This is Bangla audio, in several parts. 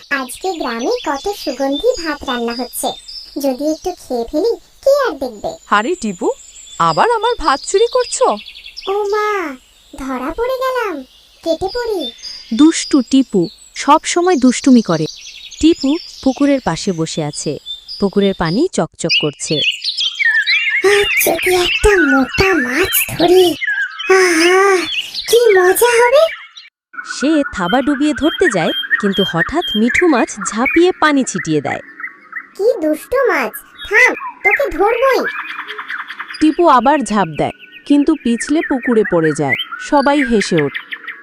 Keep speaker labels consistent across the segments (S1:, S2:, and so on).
S1: আজকে গ্রামে কত সুগন্ধি ভাত রান্না হচ্ছে। যদি একটু খেয়ে ফেলি, কে আর দেখবে।
S2: আরে টিপু, আবার আমার ভাত চুরি করছো?
S1: ও মা, ধরা পড়ে গেলাম। কেটে পড়ি।
S3: দুষ্টু টিপু সব সময় দুষ্টুমি করে। টিপু পুকুরের পাশে বসে আছে। পুকুরের পানি চকচক করছে।
S1: যদি একটা মোটা মাছ ধরি, আহা, কি মজা হবে।
S3: সে থাবা ডুবিয়ে ধরতে যায়, কিন্তু হঠাৎ মিঠু মাছ ঝাঁপিয়ে পানি ছিটিয়ে দেয়।
S1: কি দুষ্ট মাছ, থাম, তোকে ধরবই।
S2: টিপু আবার ঝাঁপ দেয়, কিন্তু পিছলে পুকুরে পড়ে যায়। সবাই হেসে ওঠে।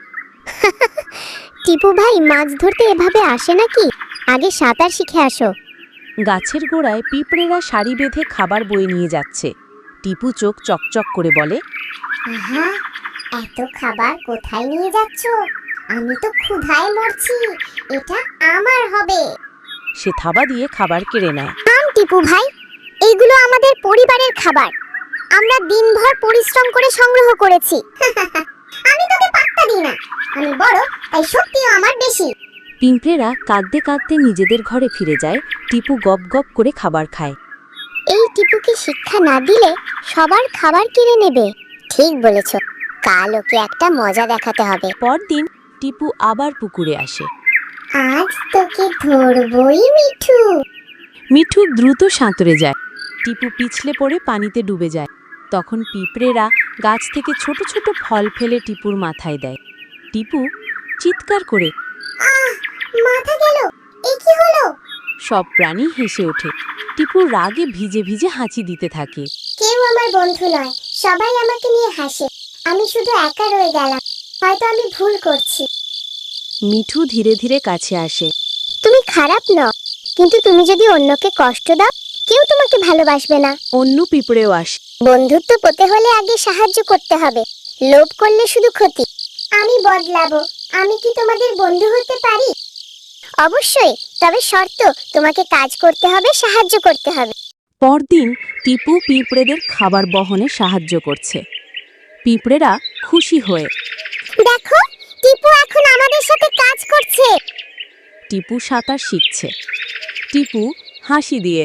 S1: টিপু ভাই, মাছ ধরতে এভাবে আসে নাকি? আগে সাঁতার শিখে আসো।
S3: গাছের গোড়ায় পিঁপড়েরা সারি বেঁধে খাবার বয়ে নিয়ে যাচ্ছে। টিপু চোখ চকচক করে বলে,
S1: আহা, এত খাবার কোথায় নিয়ে যাচ্ছ? আমি তো ক্ষুধায় মরছি। এটা আমার হবে।
S3: সে থাবা দিয়ে খাবার কেড়ে নেয়।
S1: টিপু ভাই, এইগুলো আমাদের পরিবারের খাবার। আমরা দিনভর পরিশ্রম করে সংগ্রহ করেছি। আমি তোকে পাত্তা দিই না। আমি বড়, তাই শক্তিও আমার বেশি।
S3: পিঁপড়েরা কাঁদতে কাঁদতে নিজেদের ঘরে ফিরে যায়। টিপু গপ গপ করে খাবার খায়।
S1: এই টিপুকে শিক্ষা না দিলে সবার খাবার কিনে নেবে। ঠিক বলেছ, কাল ওকে একটা মজা দেখাতে হবে।
S3: পরদিন টিপু আবার পুকুরে আসে।
S1: আজ তোকে ধরবই মিঠু।
S3: মিঠু দ্রুত সাঁতরে যায়। টিপু পিছলে পড়ে পানিতে ডুবে যায়। তখন পিঁপড়েরা গাছ থেকে ছোট ছোট ফল ফেলে টিপুর মাথায় দেয়। টিপু চিৎকার করে।
S1: মাথা গেল, এ কি হলো?
S3: সব প্রাণী হেসে ওঠে। টিপু রাগে ভিজে ভিজে হাঁচি দিতে থাকে।
S1: কেউ আমার বন্ধু নয়, সবাই আমাকে নিয়ে হাসে। আমি শুধু একা রয়ে গেলাম। হয়তো আমি ভুল করছি।
S3: মিঠু ধীরে ধীরে কাছে আসে।
S1: তুমি খারাপ নও, কিন্তু তুমি যদি অন্যকে কষ্ট দাও, কেউ তোমাকে ভালোবাসবে না।
S3: অন্য পিঁপড়েও আসে।
S1: বন্ধুত্ব পেতে হলে আগে সাহায্য করতে হবে। লোভ করলে শুধু ক্ষতি। আমি বদলাবো। আমি কি তোমাদের বন্ধু হতে পারি? অবশ্যই, তবে শর্ত, তোমাকে কাজ করতে হবে, সাহায্য করতে হবে।
S3: পরদিন টিপু পিঁপড়েদের খাবার বহনে সাহায্য করছে। পিঁপড়েরা খুশি হয়ে।
S1: দেখো, টিপু এখন আমাদের সাথে কাজ করছে।
S3: টিপু সাঁতার শিখছে। টিপু হাসি দিয়ে।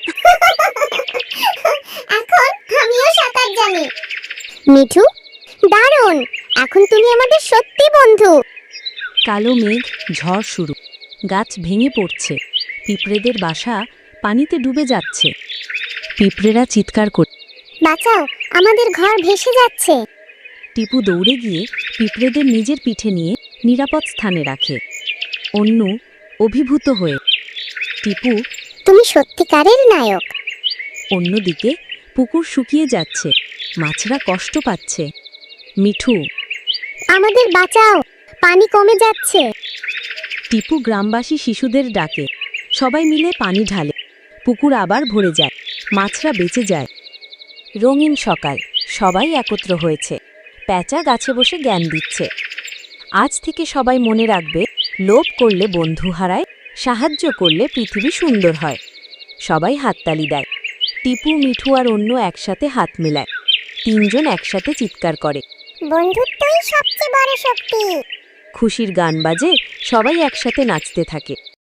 S1: এখন আমিও সাঁতার জানি। মিঠু, দারুণ, এখন তুমি আমাদের সত্যি বন্ধু।
S3: কালো মেঘ, ঝড় শুরু। গাছ ভেঙে পড়ছে। পিঁপড়েদের বাসা পানিতে ডুবে যাচ্ছে। পিঁপড়েরা চিৎকার করে।
S1: বাঁচাও, আমাদের ঘর ভেসে যাচ্ছে।
S3: টিপু দৌড়ে গিয়ে পিঁপড়েদের নিজের পিঠে নিয়ে নিরাপদ স্থানে রাখে। অন্য অভিভূত হয়ে। টিপু।
S1: তুমি সত্যিকারের নায়ক।
S3: অন্যদিকে পুকুর শুকিয়ে যাচ্ছে। মাছরা কষ্ট পাচ্ছে। মিঠু।
S1: আমাদের বাঁচাও, পানি কমে যাচ্ছে।
S3: টিপু গ্রামবাসী শিশুদের ডাকে। সবাই মিলে পানি ঢালে। পুকুর আবার ভরে যায়। মাছরা বেঁচে যায়। রঙিন সকাল, সবাই একত্র হয়েছে। প্যাঁচা গাছে বসে জ্ঞান দিচ্ছে। আজ থেকে সবাই মনে রাখবে, লোভ করলে বন্ধু হারায়, সাহায্য করলে পৃথিবী সুন্দর হয়। সবাই হাততালি দেয়। টিপু, মিঠু আর অন্য একসাথে হাত মেলায়। তিনজন একসাথে চিৎকার করে।
S1: বন্ধুত্বই সবচেয়ে বড় শক্তি।
S3: খুশির গান বাজে, সবাই একসাথে নাচতে থাকে।